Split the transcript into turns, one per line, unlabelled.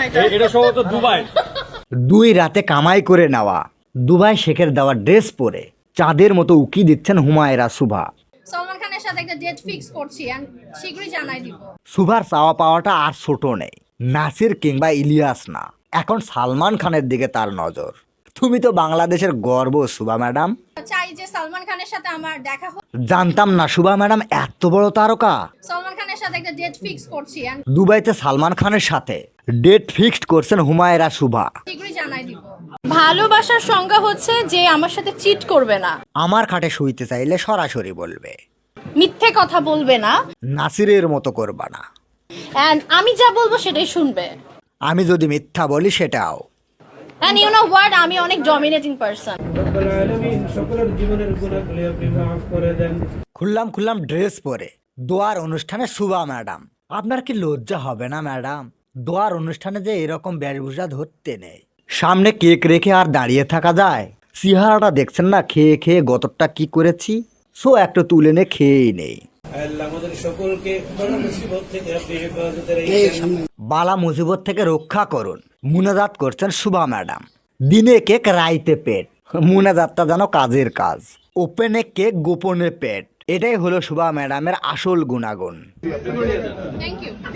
এটা সম্ভবত দুবাই।
2 রাতে কামাই করে নেওয়া দুবাই শেখের দেওয়া ড্রেস পরে চাঁদের মতো উকি দিচ্ছেন হুমায়রা শুভা।
সালমান খানের সাথে একটা ডেট ফিক্স করছি এন্ড শীঘ্রই জানাই দিব।
শুভার চাওয়া পাওয়াটা আর ছোট নেই, নাসির কিংবা ইলিয়াস না, এখন সালমান খানের দিকে তার নজর। তুমি তো বাংলাদেশের গর্ব শুভা ম্যাডাম।
চাই যে সালমান খানের সাথে আমার দেখা হোক।
জানতাম না শুভা ম্যাডাম এত বড় তারকা।
সালমান খানের সাথে একটা ডেট ফিক্স করছি এন্ড
দুবাইতে সালমান খানের সাথে ডেট ফিক্সড করছেন হুমায়রা শুভা।
শীঘ্রই জানাই দিব। ভালোবাসার সংজ্ঞা হচ্ছে যে আমার সাথে চিট করবে না,
আমার খাটে শুইতে চাইলে সরাসরি বলবে,
মিথ্যে কথা বলবে না,
নাসিরের মতো করবা না।
এন্ড আমি যা বলবো সেটাই শুনবে।
আমি যদি মিথ্যা বলি সেটাও।
এন্ড ইউ নো হোয়াট, আমি অনেক ডমিনেটিং পারসন।
রব্বুল আলামিন সকলের জীবনের গুনাহগুলি আপনি মাফ করে দেন।
খুললাম ড্রেস পরে দোয়ার অনুষ্ঠানে শুভা ম্যাডাম। আপনার কি লজ্জা হবে না ম্যাডাম? দোয়ার অনুষ্ঠানে যে এরকম বেশভূষা ধরতে নেই, সামনে কেক রেখে আর দাঁড়িয়ে থাকা যায়? চেহারাটা দেখছেন না, খেয়ে খেয়ে গতরটা কি করেছি, সো একটা তুলে নে খেয়েই নেই।
আল্লাহ আমাদের সকলকে বড় মুসিবত থেকে আপনি হেফাজতে রেখেছেন।
বালা মুসিবত থেকে রক্ষা করুন মুনাজাত করছেন শুভা ম্যাডাম। দিনে কেক রাইতে পেট, মুনাজাতটা যেন কাজের কাজ। ওপেনে কেক গোপনে পেট, এটাই হলো শুভা ম্যাডামের আসল গুণাগুণ।
Thank you.